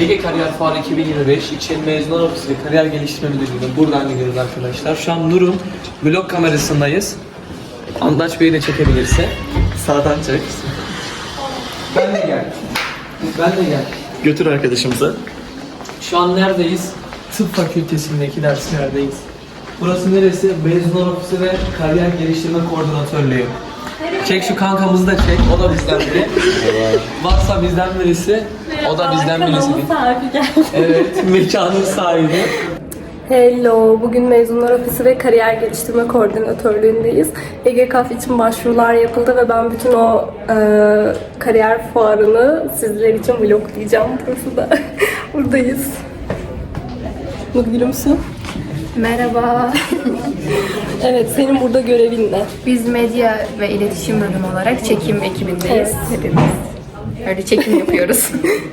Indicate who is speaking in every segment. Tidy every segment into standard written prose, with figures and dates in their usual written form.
Speaker 1: Ege Kariyer Fuarı 2025 İçin Mezunlar Ofisi ve Kariyer Geliştirme Müdürlüğü'ne buradan gidiyoruz arkadaşlar. Şu an Nur'un vlog kamerasındayız. Andaç Bey'i de çekebilirse. Sağdan çek. Ben de gel. Ben de gel. Götür arkadaşımızı. Şu an neredeyiz? Tıp Fakültesindeki derslerdeyiz. Burası neresi? Mezunlar Ofisi ve Kariyer Geliştirme Koordinatörlüğü. Çek şu kankamızı da çek. O da bizden biri. Varsa bizden birisi. O da bizden birisi. Evet, mekanın sahibi.
Speaker 2: Hello, bugün Mezunlar Ofisi ve Kariyer Geliştirme Koordinatörlüğündeyiz. EGKF için başvurular yapıldı ve ben bütün o kariyer fuarını sizler için vloglayacağım. Burası da buradayız. Gülümsün.
Speaker 3: Merhaba.
Speaker 2: Evet, senin burada görevin ne?
Speaker 3: Biz medya ve iletişim bölümü olarak çekim ekibindeyiz. Hepimiz. Öyle çekim yapıyoruz.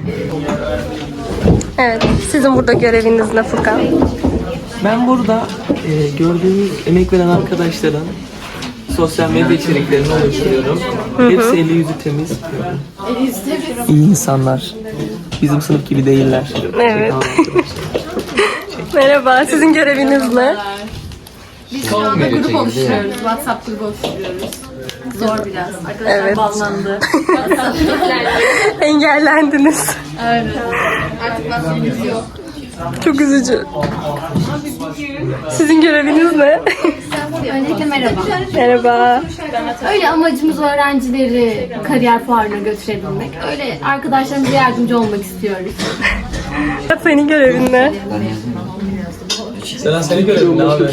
Speaker 2: Evet, sizin burada göreviniz ne Furkan?
Speaker 1: Ben burada gördüğünüz emek veren arkadaşların sosyal medya içeriklerini oluşturuyorum. Hepsi eli yüzü temiz. İyi insanlar. Bizim sınıf gibi değiller.
Speaker 2: Evet. Merhaba, sizin göreviniz ne?
Speaker 3: Biz şu anda grup oluşturuyoruz. WhatsApp grubu oluşturuyoruz. Zor biraz. Arkadaşlar
Speaker 2: Evet.
Speaker 3: banlandı.
Speaker 2: Engellendiniz.
Speaker 3: Aynen. Artık nasibimiz yok.
Speaker 2: Çok üzücü. Sizin göreviniz ne?
Speaker 3: Öncelikle merhaba.
Speaker 2: Merhaba.
Speaker 3: Öyle amacımız öğrencileri kariyer fuarına götürebilmek. Öyle arkadaşlarımıza yardımcı olmak istiyoruz.
Speaker 2: Senin görevin ne?
Speaker 1: Seni görelim ne abi?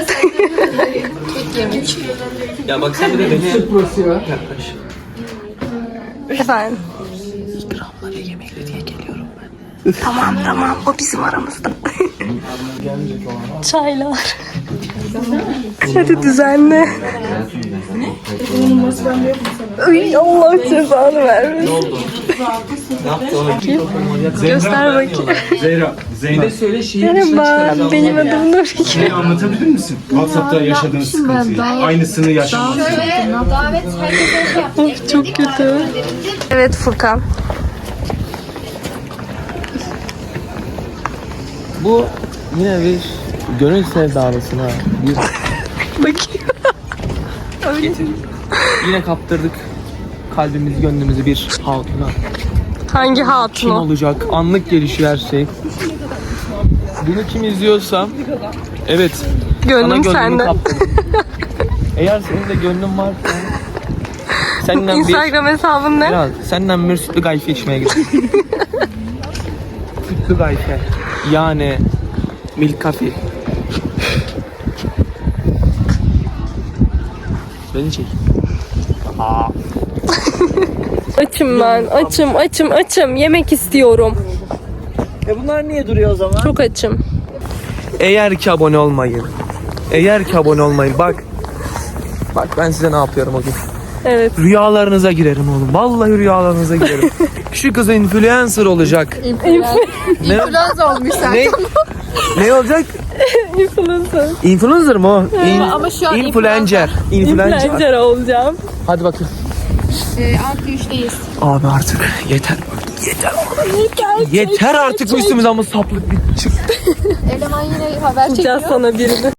Speaker 1: Ya bak sen bir de beni yaklaş.
Speaker 2: Efendim?
Speaker 1: İkramlara yemekle diye geliyorum ben.
Speaker 2: Tamam, o bizim aramızda. Çaylar. Hadi düzenle. Ay Allah cezanı vermesin.
Speaker 1: Ne oldu? Ne yaptı o?
Speaker 2: Göster bakayım.
Speaker 4: Zehra,
Speaker 1: Bir
Speaker 4: Zeynep.
Speaker 1: de söyle şehir dışına
Speaker 2: Merhaba,
Speaker 1: çıkaracağım.
Speaker 2: benim adım Nur.
Speaker 4: Şeyi anlatabilir misin? WhatsApp'ta yaşadığınız sıkıntıyı. Aynısını yaşamışsınız.
Speaker 2: Of çok kötü. Evet Furkan.
Speaker 1: Bu yine bir gönül sevdalısına bir
Speaker 2: Bakayım.
Speaker 1: yine kaptırdık kalbimizi gönlümüzü bir hatuna.
Speaker 2: Hangi
Speaker 1: Kim
Speaker 2: hatun o?
Speaker 1: olacak? Anlık gelişiyor her şey. Bunu kim izliyorsa evet sana
Speaker 2: Gönlüm
Speaker 1: gönlümü
Speaker 2: sende.
Speaker 1: kaptırdım. Eğer senin de gönlün varsa senden
Speaker 2: Instagram hesabın ne?
Speaker 1: senden bir sütlü gayfe içmeye gidelim. Sütlü gayfe. Yani milk coffee. Beni çek.
Speaker 2: Açım ben. Açım. Yemek istiyorum.
Speaker 1: Bunlar niye duruyor o zaman?
Speaker 2: Çok açım.
Speaker 1: Eğer ki abone olmayın. Bak ben size ne yapıyorum o gün.
Speaker 2: Evet.
Speaker 1: Rüyalarınıza girerim oğlum. Vallahi rüyalarınıza girerim. Şu kız influencer olacak.
Speaker 3: İnfluencer olmuş sen.
Speaker 1: Ne olacak?
Speaker 2: Influencer.
Speaker 1: Influencer mı o?
Speaker 3: Ama şu an
Speaker 1: Influencer.
Speaker 2: Influencer olacağım.
Speaker 1: Hadi bakın.
Speaker 3: Artı 3'teyiz.
Speaker 1: Abi artık yeter. Yeter artık bu üstümüze ama saplık bir çık.
Speaker 3: Eleman yine haber çekiyor.
Speaker 2: Bulacağız sana birini.